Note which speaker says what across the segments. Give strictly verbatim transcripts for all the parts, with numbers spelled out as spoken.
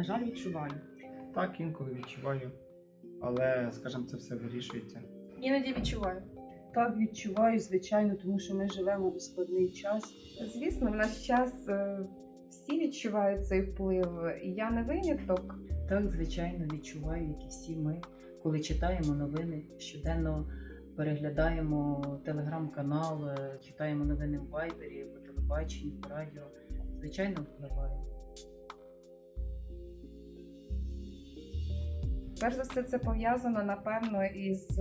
Speaker 1: жаль, відчуваю.
Speaker 2: Так, інколи відчуваю, але, скажімо, це все вирішується.
Speaker 3: Іноді відчуваю.
Speaker 1: Так, відчуваю, звичайно, тому що ми живемо у складний час.
Speaker 3: Звісно, в наш час е, всі відчувають цей вплив, і я не виняток.
Speaker 4: Так, звичайно, відчуваю, як і всі ми, коли читаємо новини, щоденно переглядаємо телеграм-канал, читаємо новини в Вайбері, по телебаченню, по радіо. Звичайно, впливає.
Speaker 3: Перш за все, це пов'язано, напевно, із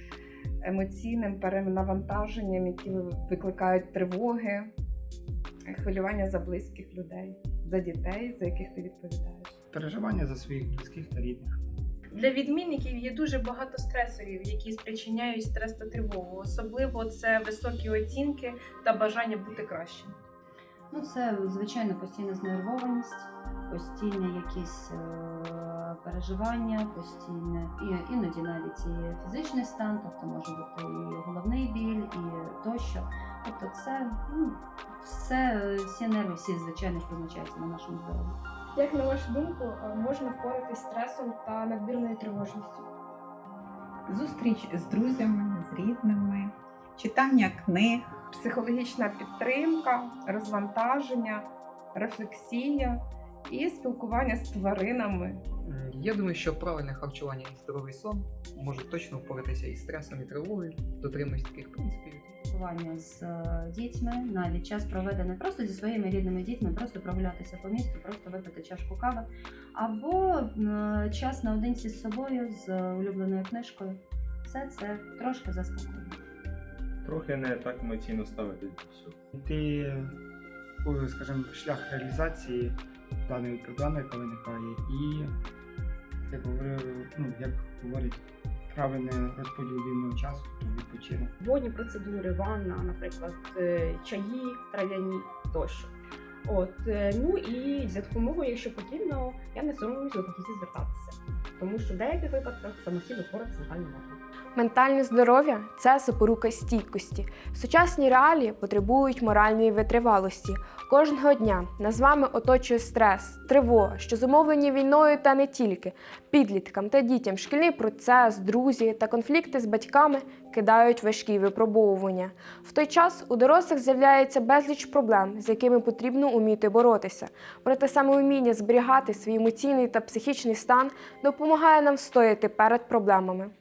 Speaker 3: емоційним перенавантаженням, які викликають тривоги, хвилювання за близьких людей, за дітей, за яких ти відповідаєш.
Speaker 2: Переживання за своїх близьких та рідних.
Speaker 5: Для відмінників є дуже багато стресорів, які спричиняють стрес та тривогу. Особливо це високі оцінки та бажання бути кращим.
Speaker 6: Ну, це, звичайно, постійна знервованість, постійне якісь е- переживання, постійне, і, іноді навіть і фізичний стан, тобто може бути і головний біль, і тощо. Тобто це, ну, все, всі нерви, всі, звичайно, позначаються на нашому здоров'ї.
Speaker 5: Як на вашу думку, можна впоратись з стресом та надмірною тривожністю?
Speaker 7: Зустріч з друзями, з рідними, читання книг.
Speaker 3: Психологічна підтримка, розвантаження, рефлексія і спілкування з тваринами.
Speaker 8: М, Я думаю, що правильне харчування і здоровий сон можуть точно впоратися із стресом і тривогою, дотримуюсь таких принципів.
Speaker 6: Спілкування з е, дітьми, навіть час проведений просто зі своїми рідними дітьми, просто прогулятися по місту, просто випити чашку кави, або е, час наодинці з собою, з улюбленою книжкою. Все це трошки заспокоює.
Speaker 9: Трохи не так емоційно ставити до всього.
Speaker 2: Йти, у, скажімо, шлях реалізації даної проблеми, яка виникає, і, як говорю, ну, як говорять, правильний розподіл вільного часу, відпочинок.
Speaker 1: Водні процедури, ванна, наприклад, е, чаї, трав'яні тощо. От, е, ну і за допомогою, якщо потрібно, я не соромлюсь до фахівців звертатися, тому що в деяких випадках самостійно впоратися звичайно можна.
Speaker 10: Ментальне здоров'я – це запорука стійкості. Сучасні реалії потребують моральної витривалості. Кожного дня нас з вами оточує стрес, тривога, що зумовлені війною та не тільки. Підліткам та дітям шкільний процес, друзі та конфлікти з батьками кидають важкі випробовування. В той час у дорослих з'являється безліч проблем, з якими потрібно уміти боротися. Проте саме уміння зберігати свій емоційний та психічний стан допомагає нам встояти перед проблемами.